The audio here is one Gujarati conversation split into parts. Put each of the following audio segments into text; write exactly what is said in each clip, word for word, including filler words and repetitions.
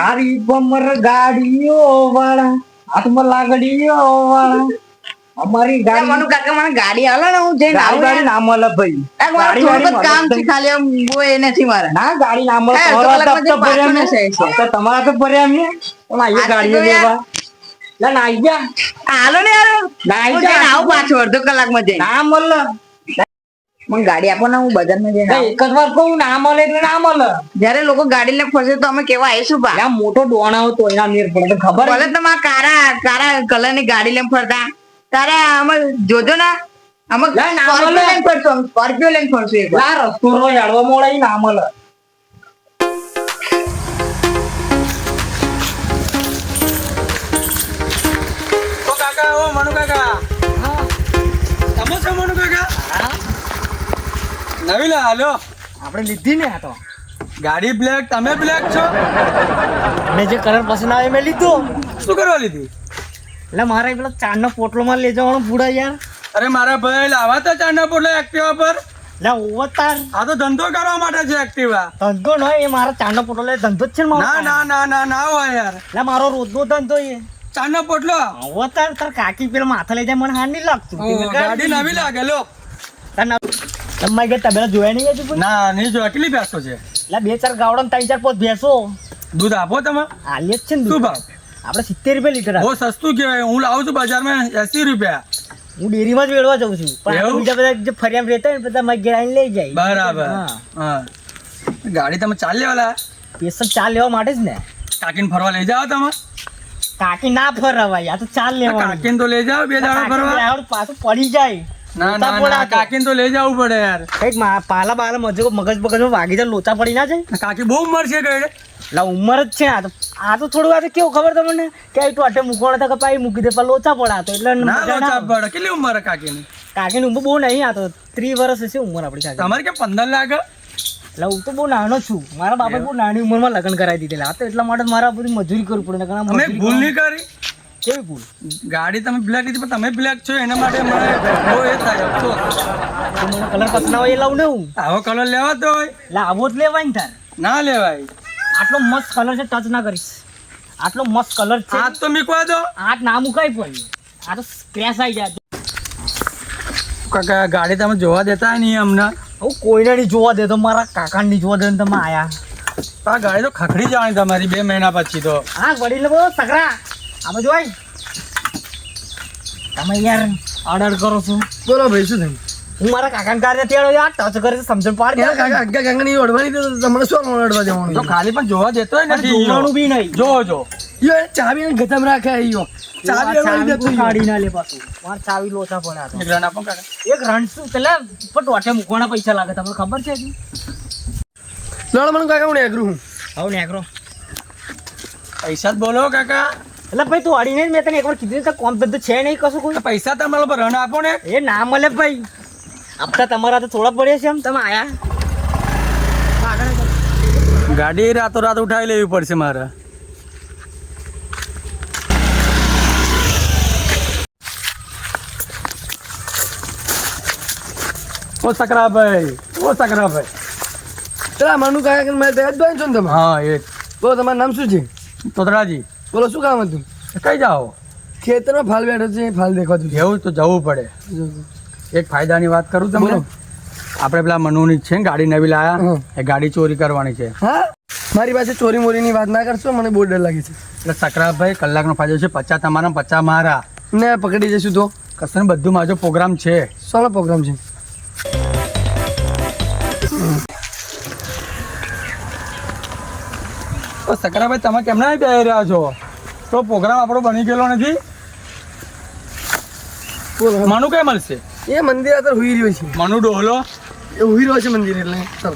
તારી પમર ગાડીઓ વાળા હાથમાં લાગડીઓ વાળા અમારી ગાડી મનુ કાકા મને ગાડી આલે ને હું જઈને આવું ગાડી ના મળે ભાઈ ગાડી ગાડી કામ છે ખાલી આમ બોય નથી મારે ના ગાડી ના મળે તમારા તો ભર્યા મે તો તમારા તો ભર્યા મે પણ આ ગાડીઓ લેવા લા ના આઈ જા હાલો ને યાર ના આઈ જા આવું પાછો અડધો કલાકમાં જઈને ના મળે મને ગાડી આપો ને હું બજારમાં જઈને એક જ વાર કહું ના મળે એટલે ના મળે જયારે લોકો ગાડી લઈને ફસે તો અમે કેવા આવીશું બા આ મોટો ડોણા હતો એના મેર પડે ખબર ભલે તમારા કારા કારા કલર ની ગાડી લઈને ફરતા તારે અમે જોજો ને અમે સ્કોર્પિયો લઈને ફરશું સ્કોર્પિયો લઈને ફરશું એક લા રસ્તો રો યાડવા મોળે ના મળે ઓ કાકા ઓ મનુ કાકા હા તમે છો મનુ કાકા હા નવી લા હાલો આપણે લીધી ને આ તો ગાડી બ્લેક તમે બ્લેક છો મેં જે કલર પસંદ આવે મેં લીધો શું કરવા લીધી એટલે મારે પેલો ચાંદનો પોટલો માં લઈ જવાનો પૂરા યાર અરે મારા ભાઈ લાવા તો ચાંદા પોટલો એક્ટિવા પર એટલે ઓવતાર આ તો ધંધો કરવા માટે છે એક્ટિવા ધંધો ન એ મારા ચાંદનો પોટલો લે ધંધો જ છે ને મારો ના ના ના ના ના હોય યાર એટલે મારો રોજનો ધંધો એ ચાંદનો પોટલો ઓવતાર તાર કાકી પેલા માથે લઈ જાય મને હાર નહીં લાગતું ગાડી નવી લાગે લો તમારી ઘર તબેલા જોયા નહીં હજુ ના નહીં જો કેટલી ભેંસો છે એટલે બે ચાર ગાવડા ત્રણ ચાર પોત ભેંસો દૂધ આપો તમે આલીએ જ છે ને શું ભાવ આપણે સિત્તેર રૂપિયા લીટર બહુ સસ્તું કહેવાય હું લાવું છું બજારમાં એસી રૂપિયા હું ડેરીમાં જ વેડવા જાઉં છું પણ બીજા બધા જે ફરિયામ રહેતા હોય ને બધા મારી ઘેર આવીને લઈ જાય બરાબર હા ગાડી તમે ચાલ લેવાલા સ્પેશિયલ ચા લેવા માટે જ ને કાકીને ફરવા લઈ જાઓ તમે કાકી ના ફરવાય આ તો ચાલ લેવા કાકીને તો લઈ જાઓ બે દાડા ફરવા પાછું પડી જાય ના ના ના કાકીને તો લઈ જવું પડે યાર કઈક પાલા બાલા મજે મગજ મગજમાં વાગી જાય લોચા પડી ના જાય કાકી બહુ ઉંમર છે ગયડે એટલે ઉંમર જ છે આ તો આ તો થોડું આ તો કેવું ખબર તમને કે આ તો અટે મૂકવાનો હતા કે પાઈ મૂકી દે પણ લોચા પડાતો એટલે ના લોચા પડે કેટલી ઉંમર હે કાકીની કાકીની ઉંમર બહુ નહીં આ તો ત્રીસ વર્ષ હશે ઉંમર આપણી કાકી તમારે કે પંદર લાખ એટલે હું તો બહુ નાનો છું મારા બાપા બહુ નાની ઉંમરમાં લગ્ન કરાવી દીધેલા આ તો એટલા માટે મારા બધી મજૂરી કરવી પડે અમે ભૂલ નહીં કરી કેવી ભૂલ ગાડી તમે બ્લેક લીધી પણ તમે બ્લેક છો એના માટે મને બહુ એ થાય અફસોસ મને કલર પસંદ આવે એ લાવું ને હું આવો કલર લેવા તો હોય એટલે આવો જ લેવાય ને તાર ના લેવાય આટલો મસ્ત કલર છે ટચ ના કરીશ આટલો મસ્ત કલર છે હાથ તો મીકવા દો હાથ ના મુકાય પણ આ તો સ્ક્રેચ આવી જાય કાકા ગાડી તમે જોવા દેતા નહીં અમને હું કોઈને નહીં જોવા દેતો મારા કાકાને નહીં જોવા દે તમે આયા આ ગાડી તો ખખડી જવાની તમારી બે મહિના પછી તો હા વડીલ બોલો સકરા આ બાજુ આય તમે યાર ઓર્ડર કરો છો બોલો ભાઈ શું થયું હું મારા કાકાને કાર્ય તેડો યાર ટચ કરે છે સમજણ પાડ દે કાકા આગા કાકા ની ઓડવાની તો તમને શું ઓડવા દેવાનું તો ખાલી પણ જોવા દેતો હોય નથી જોવાનું બી નહીં જો જો યો ચાવી ને ગતમ રાખે યો ચાવી ઓડવાની દેતો કાઢી ના લે પાછું માર ચાવી લોચા પડ્યા તો એક રન આપો કાકા એક રન શું પેલા પણ ટોટે મૂકવાના પૈસા લાગે તમને ખબર છે કે લડ મને કાકા હું નેગરું હું હવે નેકરો પૈસા જ બોલો કાકા એટલે ભાઈ તું અડીને મેં તને એકવાર કીધું તો કોમ ધંધો છે નહીં કશું કોઈ પૈસા તમારા પર રન આપો ને એ ના મળે ભાઈ આપતા તમારા તો થોડા પડે છે એમ તમે આયા ગાડી રાતો રાત ઉઠાવી લેવી પડશે મારે ઓ સકરાભાઈ ઓ સકરાભાઈ ચલા મનુ કાકા મેં દહેજ ભાઈ છો ને તમે હા એ બોલો તમારું નામ શું છે તોતરાજી બોલો શું કામ હતું કઈ જાઓ ખેતરમાં ફાલ બેઠો છે ફાલ દેખાતું છે એવું તો જવું પડે એક ફાયદાની વાત કરું તમને આપણે પેલા મનુની છે ને ગાડી નવી લાયા એ ગાડી ચોરી કરવાની છે હા મારી પાસે ચોરી મોરીની વાત ના કરશો મને બહુ ડર લાગે છે એટલે સકરાભાઈ કલાકનો ફાયદો છે પચાસ તમારા પચાસ મારા ને પકડી જઈશું તો કશું બધું મારો પ્રોગ્રામ છે શાનો પ્રોગ્રામ છે તો સકરાભાઈ તમે કેમ ના બેહી રહ્યા છો તો પ્રોગ્રામ આપણો બની ગયેલો નથી બોલો મનુ કઈ મળશે એ મંદિર અત્યારે હુઈ રહ્યો છે મનુ ડોહલો એ હુઈ રહ્યો છે મંદિર એટલે ચાલો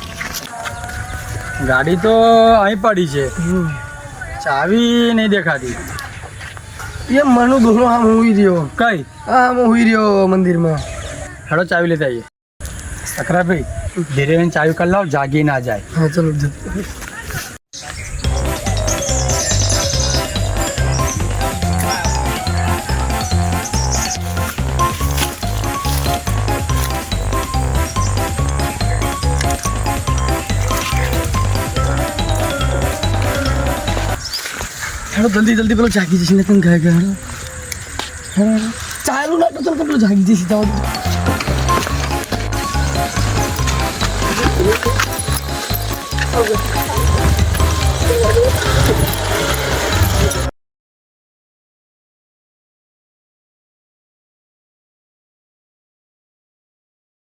ગાડી તો અહીં પડી છે ચાવી નહીં દેખાતી એ મનુ દોનો આમ હુઈ રહ્યો કઈ હા આમ હુઈ રહ્યો મંદિરમાં હેડો ચાવી લેતા આવીએ સકરાભાઈ ધીરે ધીરે ચાવી કરી લાવ જાગી ના જાય હા ચલો હેડો જલ્દી જલ્દી પેલો જાગી જશે ને તને ગયા ગયા હેડો હેડો હેડો ચાલુ ના તો ચાલ પેલો જાગી જશે જાઓ આ